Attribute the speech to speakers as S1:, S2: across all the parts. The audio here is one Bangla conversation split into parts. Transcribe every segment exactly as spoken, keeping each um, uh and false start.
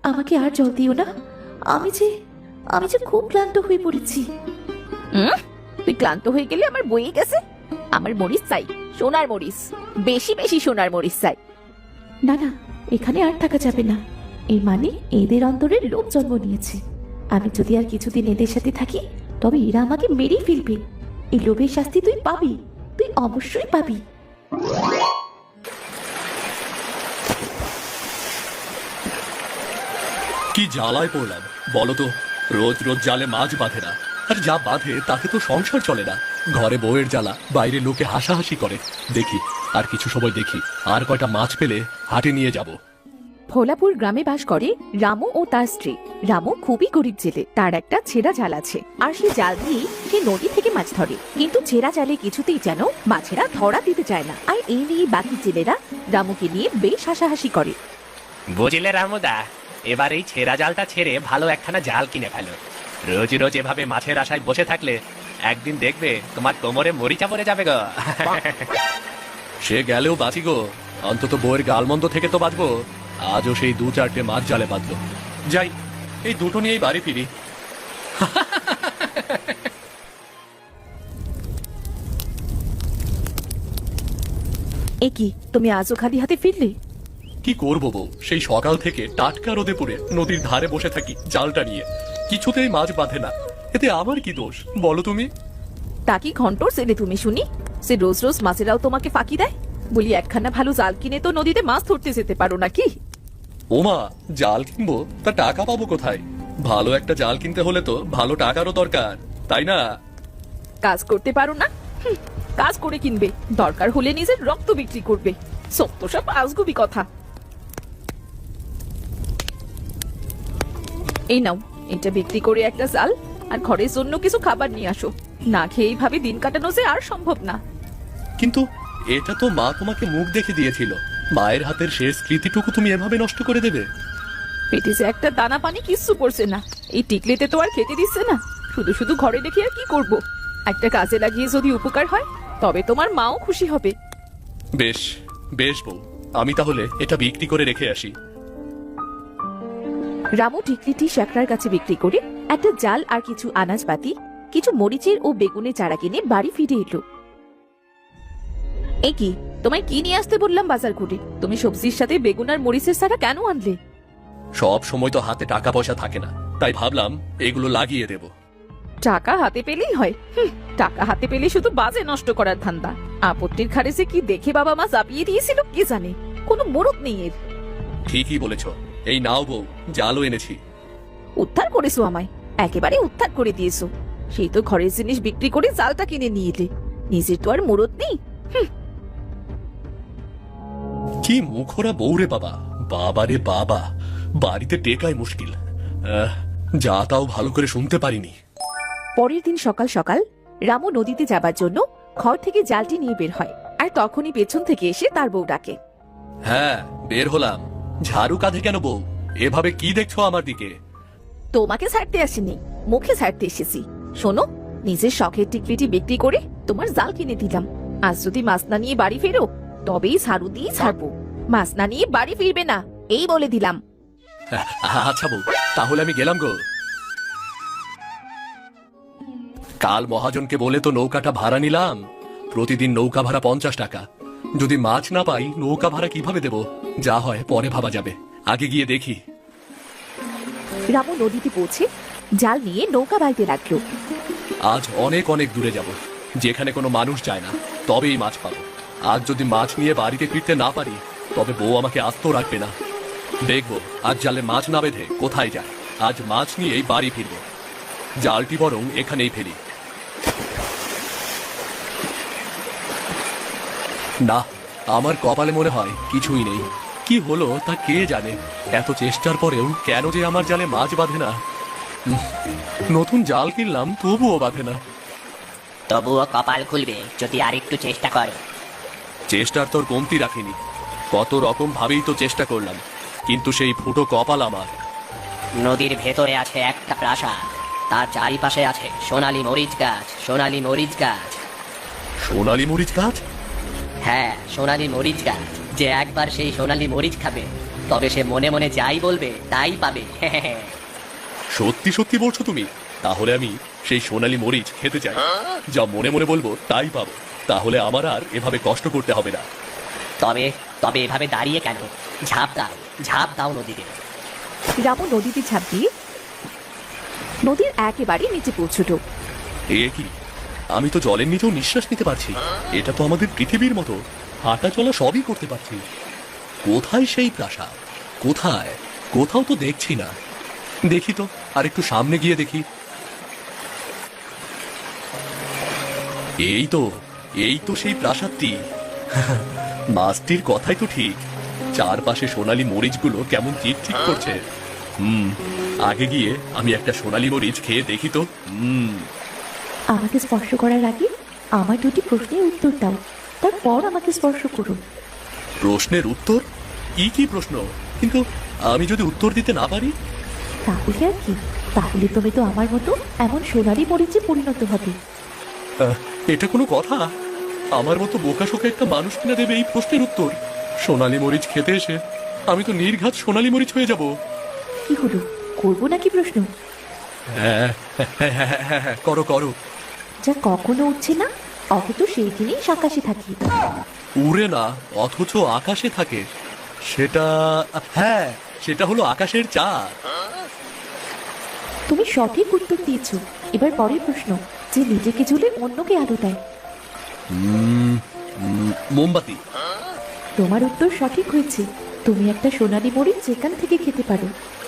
S1: আমাকে আর জল দিও না। আমি যে আমি যে খুব ক্লান্ত হয়ে পড়েছি।
S2: হুম, তুই ক্লান্ত হয়ে গেলে আমার বইয়ে গেছে। আমার মরিচ চাই, সোনার মরিচ, বেশি বেশি সোনার মরিচ চাই।
S1: না না, এখানে আর থাকা যাবে না। এই মানে এদের অন্তরে লোভ জন্ম নিয়েছে। আমি যদি আর কিছুদিন এদের সাথে থাকি তবে এরা আমাকে মেরেই ফেলবে। এই লোভের শাস্তি তুই পাবি, তুই অবশ্যই পাবি।
S3: কি জ্বালায় পড়লাম বলো তো। রোজ রোজ জালে মাছ বাঁধে না, আর যা বাঁধে তাতে তো সংসার চলে না। ঘরে বউয়ের জ্বালা, বাইরে লোকে হাসাহাসি করে। দেখি আর কিছু সময় দেখি আর কয়টা মাছ পেলে হাটে নিয়ে যাব।
S2: ভোলাপুর গ্রামে বাস করে রামু ও তার স্ত্রী। রামু খুবই গরিব জেলে, তার একটা ছেঁড়া জাল আছে, আর সেই জাল দিয়েই সে নদী থেকে মাছ ধরে। কিন্তু ছেঁড়া জালে কিছুতেই যেন মাছেরা ধরা দিতে চায় না, আর এই নিয়ে বাকি জেলেরা রামুকে নিয়ে বেশ হাসাহাসি করে।
S4: বুঝলে রামুদা, এবার এই ছেঁড়া জালটা ছেড়ে ভালো একখানা জাল কিনে ফেলো। রোজ রোজ এভাবে মাছের আশায় বসে থাকলে একদিন দেখবে তোমার কোমরে মরিচা পড়ে যাবে গো।
S3: সে গেলেও বাঁচি গো, অন্তত বউয়ের গালমন্দ থেকে তো বাঁচবো। আজও সেই দু চারটে মাছ জালে বাঁধলো। যাই, এই দুটো নিয়েই বাড়ি ফিরি।
S2: এ কি, তুমি আজও খালি হাতে ফিরলে?
S3: কি করবো বউ, সেই সকাল থেকে টাটকা রোদে পড়ে নদীর ধারে বসে থাকি জালটা নিয়ে। কিছুতেই মাছ বাঁধে না, এতে আমার কি দোষ বলো তুমি?
S2: তা কি ঘন্টর ছেলে তুমি শুনি? সে রোজ রোজ মাছেরাও তোমাকে ফাঁকি দেয়? বলি একখানা ভালো জাল কিনে তো নদীতে মাছ ধরতে যেতে পারো নাকি?
S3: ওমা, জাল কিনবো তা টাকা পাবো কোথায়? ভালো একটা জাল কিনতে হলে তো ভালো টাকারও দরকার, তাই না?
S2: কাজ করতে পারো না? হুঁ, কাজ করে কিনবে, দরকার হলে নিজের রক্ত বিক্রি করবে। সত্য সব আজগুবি কথা। এই নাও, এটা বিক্রি করে একটা জাল আর ঘরের জন্য কিছু খাবার নিয়ে আসো। না খেয়ে এইভাবে দিন কাটানো যে আর সম্ভব না।
S3: কিন্তু এটা তো মা তোমাকে মুখ দেখে দিয়েছিল। মায়ের হাতের শেষ স্মৃতিটুকু তুমি এভাবে নষ্ট করে দেবে?
S2: পেটে যে একটা দানা পানি কিচ্ছু পড়ছে না, এই টিকলেতে তো আর খেতে দিচ্ছে না। শুধু শুধু ঘরে রেখে আর কি করব? একটা কাজে লাগিয়ে যদি উপকার হয় তবে তোমার মাও খুশি হবে।
S3: বেশ বেশ বউ, আমি তাহলে এটা বিক্রি করে রেখে আসি।
S2: রামু টিকলিটি শ্যাকরার কাছে বিক্রি করে একটা জাল আর কিছু আনাজপাতি, কিছু মরিচের ও বেগুনের চারা কিনে বাড়ি ফিরে এলো। এ কি, তোমায় কি নিয়ে আসতে বললাম বাজার করে? তুমি সবজির সাথে বেগুন আর মরিচের চারা কেন আনলে?
S3: সব সময় তো হাতে টাকা পয়সা থাকে না, তাই ভাবলাম এগুলো লাগিয়ে দেব।
S2: টাকা হাতে পেলেই হয়? হুঁ, টাকা হাতে পেলে শুধু বাজে নষ্ট করার ধান্দা। আপত্তির ঘাড়ে যে কি দেখে বাবা মা চাপিয়ে দিয়েছিল কে জানে, কোনো মুরত নেই এর।
S3: ঠিকই বলেছ, এই নাও বউ, জালও এনেছি।
S2: উদ্ধার করেছো আমায়, একেবারে উদ্ধার করে দিয়েছো। সেই তো ঘরের জিনিস বিক্রি করে জালটা কিনে নিয়ে এলে, নিজের তো আর মুরত নেই।
S3: কি মুখরা বউ রে বাবা, বাবা রে বাবা, বাড়িতে টেকাই মুশকিল। আহ, যা তাও ভালো করে শুনতে পারিনি।
S2: পরের দিন সকাল সকাল রামু নদীতে যাবার জন্য ঘর থেকে জালটি নিয়ে বের হয়, আর তখনই পেছন থেকে এসে তার বউ ডাকে।
S3: হ্যাঁ, বের হলাম। ঝাড়ু কাঁধে কেন বউ? এভাবে কি দেখছো আমার দিকে?
S2: তোমাকে ছাড়তে আসিনি, মুখে ছাড়তে এসেছি। শোনো, নিজের শখের টিকলিটি বিক্রি করে তোমার জাল কিনে দিলাম। আজ যদি মাছ না নিয়ে বাড়ি ফেরো তবেই ঝাড়ু দিয়ে ছাড়বো। মাছ না নিয়ে বাড়ি ফিরবে না, এই বলে দিলাম।
S3: আচ্ছা বউ, তাহলে আমি গেলাম গো। কাল মহাজনকে বলে তো নৌকাটা ভাড়া নিলাম। প্রতিদিন নৌকা ভাড়া পঞ্চাশ টাকা। যদি মাছ না পাই নৌকা ভাড়া কিভাবে দেব? যা হয় পরে ভাবা যাবে, আগে গিয়ে দেখি।
S2: রামু নদীতে পৌঁছে জাল নিয়ে নৌকা বাইতে লাগলো।
S3: আজ অনেক অনেক দূরে যাব, যেখানে কোনো মানুষ যায় না, তবেই মাছ পাবো। আজ যদি মাছ নিয়ে বাড়িতে ফিরতে না পারি তবে বউ আমাকে আস্ত রাখবে না। দেখবো আজ জালে মাছ না বেঁধে কোথায় যায়। আজ মাছ নিয়েই বাড়ি ফিরবো। জালটি বরং এখানেই ফেলি। না, আমার কপালে মনে হয় কিছুই নেই। কি হলো তা কে জানে। এত চেষ্টার পরেও কেন যে আমার জালে মাছ বাঁধে না। উম, নতুন জাল কিনলাম তবুও বাঁধে না।
S5: তবুও কপাল খুলবে যদি আরেকটু চেষ্টা করো।
S3: চেষ্টার তোর কমতি রাখিনি। কত রকম ভাবেই তো চেষ্টা করলাম, কিন্তু সেই ফুটো কপাল আমার।
S5: নদীর ভেতরে আছে একটা প্রাসাদ, তার চারিপাশে আছে সোনালী মরিচ গাছ। সোনালী মরিচ গাছ
S3: সোনালী মরিচ গাছ?
S5: হ্যাঁ, সোনালী মরিচ গাছ। যে একবার সেই সোনালী মরিচ খাবে তবে সে মনে মনে যাই বলবে তাই পাবে।
S3: সত্যি সত্যি বলছো তুমি? তাহলে আমি সেই সোনালী মরিচ খেতে চাই। যা মনে মনে বলবো তাই পাবো। তাহলে আমার আর এভাবে কষ্ট করতে হবে না।
S5: তবে তবে এভাবে দাঁড়িয়ে কেন? ঝাঁপ দাও, ঝাঁপ দাও নদীতে।
S2: রামু নদীতে ঝাঁপ দিয়ে নদীর একেবারে নিচে পৌঁছলো।
S3: এ কি, আমি তো জলের নিচেও নিঃশ্বাস নিতে পারছি। এটা তো আমাদের পৃথিবীর মতো, হাঁটা চলা সবই করতে পারছি। কোথায় সেই প্রাসাদ? কোথায়? কোথাও তো দেখছি না। দেখি তো, আর একটু সামনে গিয়ে দেখি। এই তো, এই তো সেই প্রাসাদটি। মাছটির কথাই তো ঠিক। চারপাশে সোনালী মরিচগুলো কেমন চিটচিট করছে। হুম, আগে গিয়ে আমি একটা সোনালী মরিচ খেয়ে দেখি তো। হুম।
S1: আমাকে স্পর্শ করার আগে আমার দুটি প্রশ্নের উত্তর দাও, তারপর আমাকে স্পর্শ করো।
S3: প্রশ্নের উত্তর? কি কি প্রশ্ন? কিন্তু আমি যদি উত্তর দিতে না পারি?
S1: তাহলে আর কি? তাহলে তুমি তো আমার মতো এমন সোনালি মরিচে পরিণত হবে।
S3: আহ, এটা কোনো কথা? আমার মতো বোকাশোকা একটা মানুষ কিনা দেবে এই প্রশ্নের উত্তর? সোনালী মরিচ খেতে এসে আমি তো নির্ঘাত সোনালী মরিচ হয়ে যাব।
S1: কি হলো, করবো নাকি প্রশ্ন?
S3: হ্যাঁ হ্যাঁ হ্যাঁ হ্যাঁ হ্যাঁ, করো করো।
S1: যা কখনো উঠছে না, অথচ সেই দিনেই আকাশে থাকি।
S3: উড়ে না অথচ আকাশে থাকে, সেটা হ্যাঁ, সেটা হলো আকাশের চাঁদ।
S1: তুমি সঠিক উত্তর দিয়েছো। এবার পরের প্রশ্ন, যে নিজেকে ঝুলে অন্যকে আলো দেয়।
S3: উম, উম, মোমবাতি।
S1: তোমার উত্তর সঠিক হয়েছে। তুমি একটা সোনালী মরিচ যেখান থেকে খেতে পারো।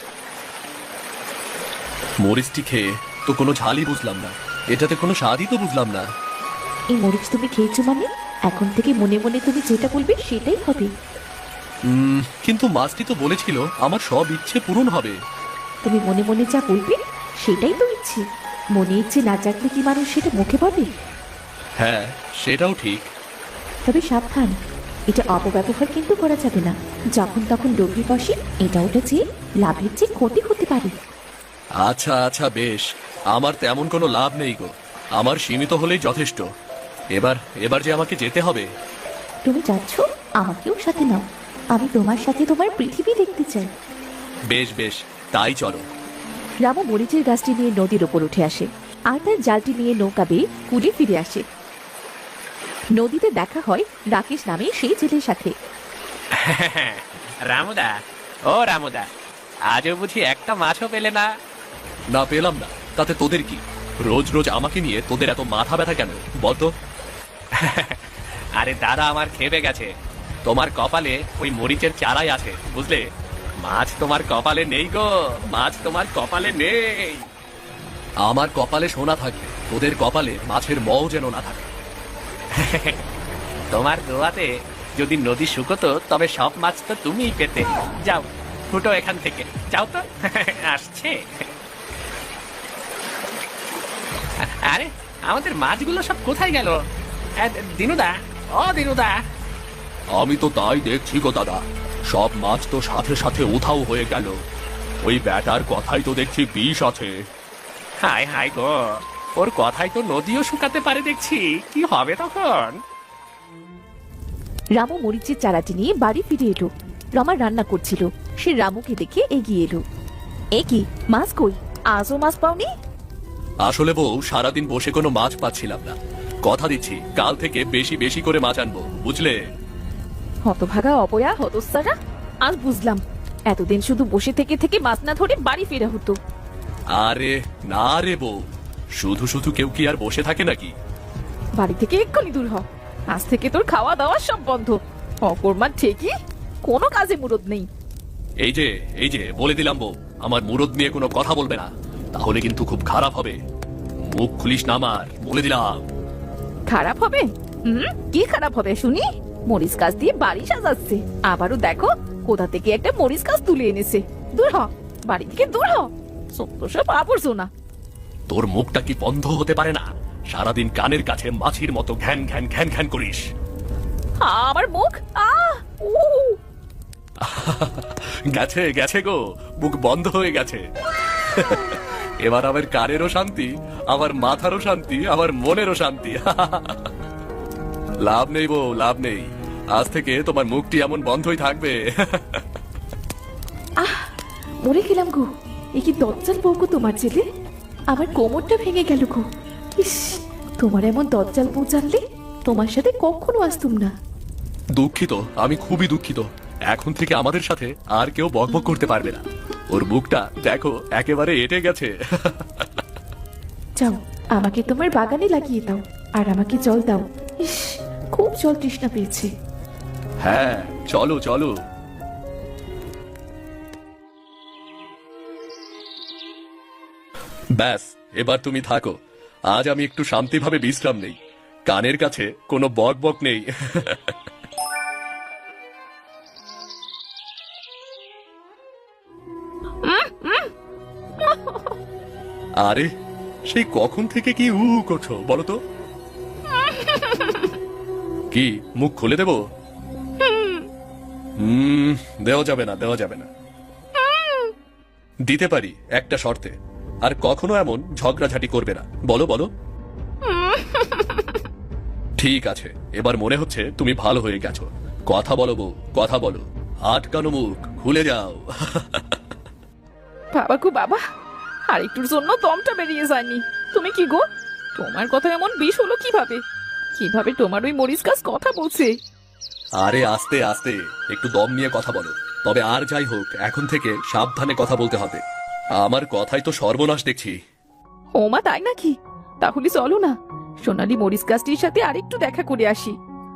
S3: মরিচটি খেয়ে তো কোনো ঝালই বুঝলাম না, এটাতে কোনো স্বাদই তো বুঝলাম না।
S1: এই মরিচ তুমি খেয়েছো মানে এখন থেকে মনে মনে তুমি যেটা বলবে সেটাই হবে।
S3: উম, কিন্তু মাছটি তো বলেছিল আমার সব ইচ্ছে পূরণ হবে।
S1: তুমি মনে মনে যা বলবে সেটাই তো ইচ্ছে। মনে ইচ্ছে না জাগলে কি মানুষ সেটা মুখে পাবে?
S3: হ্যাঁ, সেটাও ঠিক।
S1: তবে সাবধান, এটা অপব্যবহার কিন্তু করা যাবে না। যখন তখন লোভী বসে এটা ওটা চেয়ে লাভের চেয়ে ক্ষতি হতে পারে।
S3: আচ্ছা আচ্ছা, বেশ। আমার তেমন কোনো লাভ নেই গো, আমার সীমিত হলেই যথেষ্ট। এবার এবার যে আমাকে যেতে হবে।
S1: তুমি যাচ্ছ, আমাকেও সাথে নাও। আমি তোমার সাথে তোমার পৃথিবী দেখতে চাই।
S3: বেশ বেশ, তাই চলো।
S2: রামু মরিচের গাছটি নিয়ে নদীর ওপর উঠে আসে আর তার জালটি নিয়ে নৌকা বেয়ে কুলে ফিরে আসে। নদীতে দেখা হয় রাকেশ নামে সেই ছেলের সাথে।
S4: রামুদা, ও রামুদা, আজও বুঝি একটা মাছও পেলে না?
S3: না পেলাম না, তাতে তোদের কি? রোজ রোজ আমাকে নিয়ে তোদের এত মাথা ব্যথা কেন বল তো?
S4: আরে দাদা, আমার খেপে গেছে। তোমার কপালে ওই মরিচের চারাই আছে, বুঝলে? মাছ তোমার কপালে নেই গো, মাছ তোমার কপালে নেই।
S3: আমার কপালে সোনা থাকবে, তোদের কপালে মাছের মও যেন না থাকে।
S4: তোমার দোয়াতে যদি নদী শুকতো তবে সব মাছ তো তুমিই পেতে। যাও, ফুটো এখান থেকে, যাও তো। আসছে। আরে আমাদের মাছগুলো সব কোথায় গেল? আহ, দিনুদা, ও দিনুদা।
S3: আমি তো তাই দেখছি গো দাদা, সব মাছ তো সাথে সাথে উধাও হয়ে গেল। ওই ব্যাটার কথাই তো দেখছি বিষ আছে।
S4: হায় হায় গো, ওর কথাই তো নদীও শুকাতে পারে দেখছি। কি হবে তখন?
S2: রামু মরিচের চারাটি নিয়ে বাড়ি ফিরে এলো। রমা রান্না করছিল, সে রামুকে দেখে এগিয়ে এলো। এ কি, মাছ কই? আজও মাছ পাওনি?
S3: আসলে বউ, সারাদিন বসে কোনো মাছ পাচ্ছিলাম না। কথা দিচ্ছি কাল থেকে বেশি বেশি করে মাছ আনবো, বুঝলে?
S2: হতভাগা অপয়া হতস্তারা, আজ বুঝলাম এতদিন শুধু বসে থেকে থেকে মাছ না ধরে বাড়ি ফেরা হতো।
S3: আরে না রে বউ, শুধু শুধু কেউ কি আর বসে থাকে নাকি?
S2: বাড়ি থেকে এক্ষুনি দূর হ। আজ থেকে তোর খাওয়া দাওয়া সব বন্ধ। অকর্মার ঠিকই, কোনো কাজে মুরদ নেই।
S3: এই যে এই যে বলে দিলাম বউ, আমার মুরদ নিয়ে কোনো কথা বলবে না, তাহলে কিন্তু খুব খারাপ হবে। মুখ খুলিস না আমার, বলে দিলাম।
S2: খারাপ হবে? হুম, কি খারাপ হবে শুনি? মরিচ গাছ দিয়ে বাড়ি সাজাচ্ছে, আবারও দেখো কোথা থেকে একটা মরিচ গাছ তুলে এনেছে। দূর হ, বাড়ি থেকে দূর হ। সত্য সব আবর্জনা।
S3: তোর মুখটা কি বন্ধ হতে পারে না? সারাদিন কানের কাছে মাছির মতো ঘ্যান ঘ্যান ঘ্যান ঘ্যান করিস।
S2: আমার মুখ আহ উ
S3: গেছে গেছে গো, মুখ বন্ধ হয়ে গেছে। এবার আমার কানেরও শান্তি, আমার মাথারও শান্তি, আমার মনেরও শান্তি। লাভ নেই বউ, লাভ নেই। আজ থেকে তোমার মুখটি এমন বন্ধই থাকবে।
S1: মরে গেলাম গো। এ কি দজ্জাল বউ গো তোমার ছেলে? আমার কোমরটা ভেঙে গেল গো। ইস, তোমার এমন দজ্জাল বউ জানলে তোমার সাথে কখনো আসতুম না।
S3: দুঃখিত, আমি খুবই দুঃখিত। এখন থেকে আমাদের সাথে আর কেউ বকবক করতে পারবে না। ওর মুখটা দেখো, একেবারে এঁটে গেছে।
S1: যাও, আমাকে তোমার বাগানে লাগিয়ে দাও আর আমাকে জল দাও। ইস, খুব জল তৃষ্ণা পেয়েছে।
S3: হ্যাঁ, চলো চলো। ব্যাস, এবার তুমি থাকো। আজ আমি একটু শান্তিভাবে বিশ্রাম নেই। কানের কাছে কোনো বক বক নেই। আরে, সেই কখন থেকে কি উ উ করছো বলো তো? কি মুখ খুলে দেবো? হুম, দেওয়া যাবে না, দেওয়া যাবে না। দিতে পারি একটা শর্তে। আর কখনো এমন ঝগড়াঝাটি করবে না। বলো বলো। ঠিক আছে, এবার মনে হচ্ছে তুমি ভালো হয়ে গেছো। কথা বলো বউ, কথা বলো। আটকানো মুখ খুলে যাও।
S2: বাবা গো বাবা, আর একটুর জন্য দমটা বেরিয়ে যায়নি। তুমি কি গো, তোমার কথা এমন বিষ হলো কিভাবে? কিভাবে তোমার ওই মরিচ গাছ কথা বলছে?
S3: আরে আস্তে আস্তে, একটু দম নিয়ে কথা বলো। তবে আর যাই হোক, এখন থেকে সাবধানে কথা বলতে হবে। আমার কথাই তো সর্বনাশ দেখছি।
S2: ও মা, তাই নাকি? তাহলে চলো না, সোনালী মরিচ গাছটির সাথে আরেকটু দেখা করে আসি।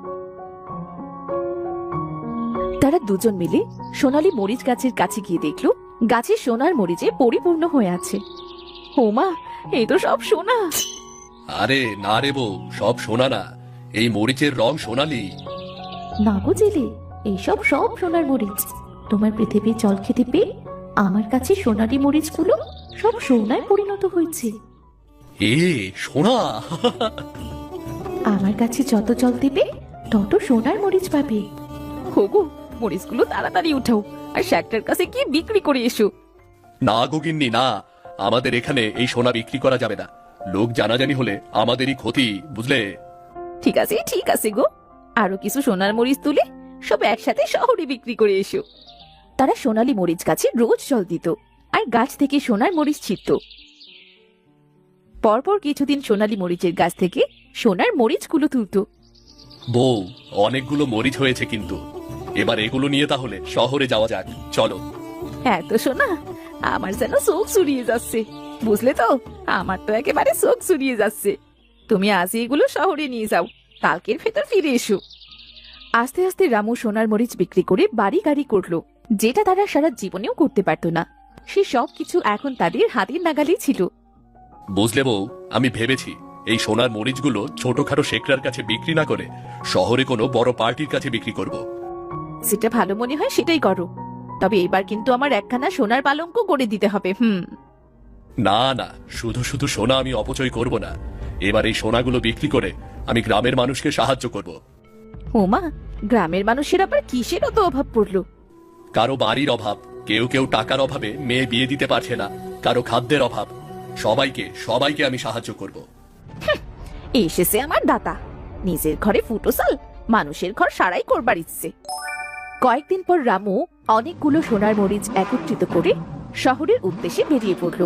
S2: তারা দুজন মিলে সোনালী মরিচ গাছের কাছে গিয়ে দেখলো গাছে সোনার মরিচে পরিপূর্ণ হয়ে আছে। ও মা, এই তো সব সোনা।
S3: আরে না রে বউ, সব সোনা না, এই মরিচের রং সোনালি।
S1: না গো জেলে, এইসব সব সোনার মরিচ। তোমার পৃথিবীর জল খেতে পেয়ে আমার কাছে সোনালি মরিচগুলো সব সোনায় পরিণত হয়েছে।
S3: এ সোনা!
S1: আমার কাছে যত জল দেবে তত সোনার মরিচ পাবে।
S2: হোগো, মরিচগুলো তাড়াতাড়ি উঠাও আর শ্যাকটার কাছে গিয়ে বিক্রি করে এসো।
S3: না গোগিন্নি না, আমাদের এখানে এই সোনা বিক্রি করা যাবে না। লোক জানাজানি হলে আমাদেরই ক্ষতি, বুঝলে?
S2: ঠিক আছে ঠিক আছে গো, আরো কিছু সোনার মরিচ তুলে সব একসাথে শহরে বিক্রি করে এসো। তারা সোনালী মরিচ গাছে রোজ জল দিত আর গাছ থেকে সোনার মরিচ ছিটত। পরপর কিছুদিন সোনালী মরিচের গাছ থেকে সোনার মরিচগুলো তুলত।
S3: বউ, অনেকগুলো মরিচ হয়েছে কিন্তু। এবার এগুলো নিয়ে তাহলে শহরে যাওয়া যাক, চলো।
S2: এত সোনা, আমার যেন চোখ চুরিয়ে যাচ্ছে। বুঝলে তো, আমার তো একেবারে চোখ চুরিয়ে যাচ্ছে। তুমি আজ এগুলো শহরে নিয়ে যাও, কালকের ভেতর ফিরে এসো। আস্তে আস্তে রামু সোনার মরিচ বিক্রি করে বাড়ি গাড়ি করলো, যেটা তারা সারা জীবনেও করতে পারতো না। সে সব কিছু এখন তাদের হাতের নাগালেই ছিল।
S3: বুঝলে বউ, আমি ভেবেছি এই সোনার মরিচগুলো ছোটখাটো শেখরার কাছে বিক্রি না করে শহরে কোনো বড় পার্টির কাছে বিক্রি করব।
S2: যেটা ভালো মনে হয় সেটাই করো, তবে এবার কিন্তু আমার একখানা সোনার পালঙ্ক করে দিতে হবে। হুম।
S3: না না, শুধু শুধু সোনা আমি অপচয় করব না। এবার এই সোনাগুলো বিক্রি করে আমি গ্রামের মানুষকে সাহায্য করব।
S2: ওমা, গ্রামের মানুষের আবার কিসের অত অভাব পড়লো?
S3: কারো বাড়ির অভাব, কেউ কেউ টাকার অভাবে মেয়ে বিয়ে দিতে পারছে না, কারো খাদ্যের অভাব। সবাইকে সবাইকে আমি সাহায্য করব।
S2: এসেছে আমার দাতা, নিজের ঘরে ফুটোসাল, মানুষের ঘর সারাই করবার ইচ্ছে। কয়েকদিন পর রামু অনেকগুলো সোনার মরিচ একত্রিত করে শহরের উদ্দেশ্যে বেরিয়ে পড়ল।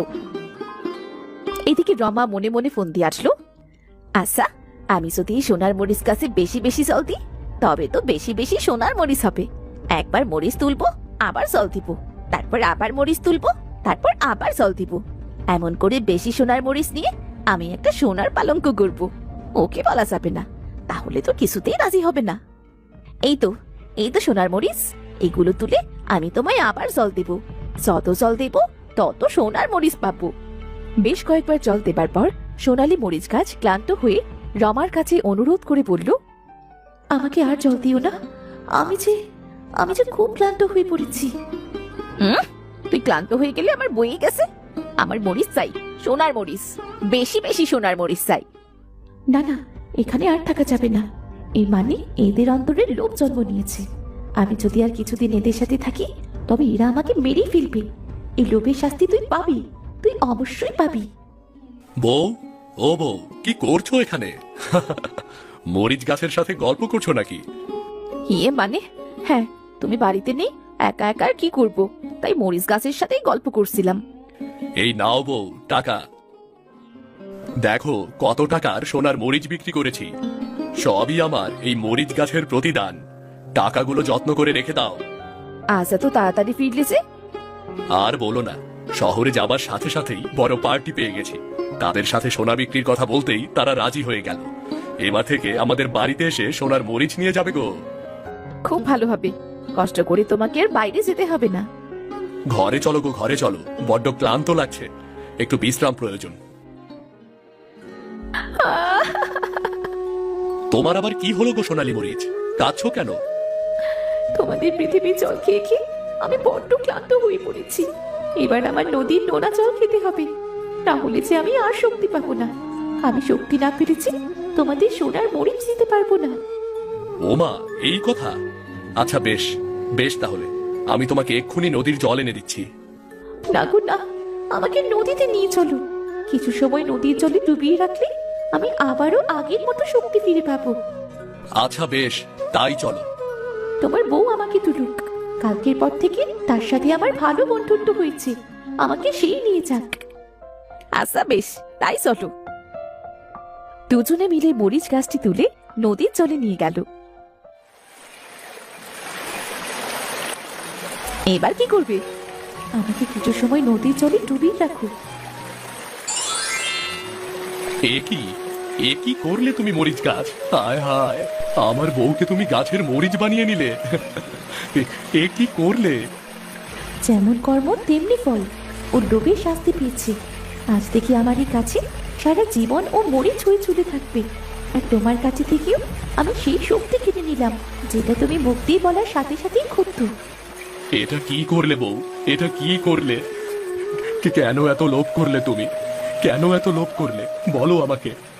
S2: এদিকে রমা মনে মনে ফোন দিয়ে আসলো, আচ্ছা, আমি যদি এই সোনার মরিচ গাছে বেশি বেশি জল দিই তবে তো বেশি বেশি সোনার মরিচ হবে। একবার মরিচ তুলবো, আবার জল দিব, তারপর আবার মরিচ তুলবো, তারপর আবার জল দিব। এমন করে বেশি সোনার মরিচ নিয়ে আমি একটা সোনার পালঙ্ক করব। ওকে বলা যাবে না, তাহলে তো কিছুতেই রাজি হবে না। এই তো এই তো সোনার মরিচ, এগুলো তুলে আমি তোমায় আবার জল দেব। যত জল দেব তত সোনার মরিচ পাবো। বেশ কয়েকবার জল দেবার পর সোনালী মরিচ গাছ ক্লান্ত হয়ে রমার কাছে অনুরোধ করে বলল,
S1: আমাকে আর জল দিও না, আমি যে আমি যে খুব ক্লান্ত হয়ে পড়েছি।
S2: হুম, তুই ক্লান্ত হয়ে গেলে আমার বয়ে গেছে। আমার মরিচ চাই, সোনার মরিচ, বেশি বেশি সোনার মরিচ চাই।
S1: না না, এখানে আর থাকা যাবে না। এই মানে এদের অন্তরে লোভ জন্ম নিয়েছে। আমি যদি আর কিছুদিন এদের সাথে থাকি তবে এরা আমাকে মেরেই ফেলবে। এই লোভের শাস্তি তুই পাবি, তুই অবশ্যই পাবি।
S3: বউ, ও বউ, কি করছো এখানে? মরিচ গাছের সাথে গল্প করছো নাকি?
S2: ইয়ে মানে, হ্যাঁ, তুমি বাড়িতে নেই, একা একা আর কি করব, তাই মরিচ গাছের সাথেই গল্প করছিলাম।
S3: এই নাও বউ টাকা। দেখো কত টাকার সোনার মরিচ বিক্রি করেছি। সবই আমার এই মরিচ গাছের প্রতিদান। টাকাগুলো যত্ন করে রেখে দাও।
S2: আজ এত তাড়াতাড়ি ফিরলে যে?
S3: আর বলো না, শহরে যাবার সাথে সাথেই বড় পার্টি পেয়ে গেছি। তাদের সাথে সোনা বিক্রির কথা বলতেই তারা রাজি হয়ে গেল। এবার থেকে আমাদের বাড়িতে এসে সোনার মরিচ নিয়ে যাবে গো।
S2: খুব ভালো হবে, কষ্ট করে তোমাকে আর বাইরে যেতে হবে না।
S3: ঘরে চলো গো, ঘরে চলো, বড্ড ক্লান্ত লাগছে, একটু বিশ্রাম প্রয়োজন। তোমার আবার কি হলো গো সোনালী মরিচ, কাঁদছো কেন?
S1: তোমাদের পৃথিবীর জল খেয়ে খেয়ে আমি বড্ড ক্লান্ত হয়ে পড়েছি। এবার আমার নদীর নোনা জল খেতে হবে, না হলে যে আমি আর শক্তি পাবো না। আমি শক্তি না পেরেছি তোমাদের সোনার মরিচ দিতে পারবো না।
S3: ওমা, এই কথা। আচ্ছা বেশ বেশ, তাহলে আমি তোমাকে এক্ষুনি নদীর জল এনে দিচ্ছি।
S1: না গো না, আমাকে নদীতে নিয়ে চলো। কিছু সময় নদীর জলে ডুবিয়ে রাখলে আমি আবারও আগের মতো শক্তি ফিরে পাবো।
S3: আচ্ছা বেশ, তাই চলো।
S1: তোমার বউ আমাকে তুলুক, কালকের পর থেকে তার সাথে আমার ভালো বন্ধুত্ব হয়েছে, আমাকে সেই নিয়ে যাক।
S2: আচ্ছা বেশ, তাই চলো। দুজনে মিলে মরিচ গাছটি তুলে নদীর জলে নিয়ে গেল। এবার কি করবে?
S1: আমাকে কিছু সময় নদীর জলে ডুবিয়ে রাখো।
S3: এ কি এ কি করলে তুমি মরিচ গাছ? হায় হায়, আমার বউকে তুমি গাছের মরিচ বানিয়ে নিলে। এ- এ কি করলে?
S1: যেমন কর্ম তেমনি ফল, ও ডুবে শাস্তি পেয়েছে। আজ থেকে আমার এই কাছে সারা জীবন ও মরিচ হয়ে চলে থাকবে। আর তোমার কাছে থেকেও আমি সেই শক্তি কিনে নিলাম, যেটা তুমি মুখ দিয়ে বলার সাথে সাথেই ক্ষুব্ধ।
S3: এটা কি করলে বউ, এটা কি করলে? কে- কেন এত লোভ করলে তুমি? কেন এত লোভ করলে বলো আমাকে।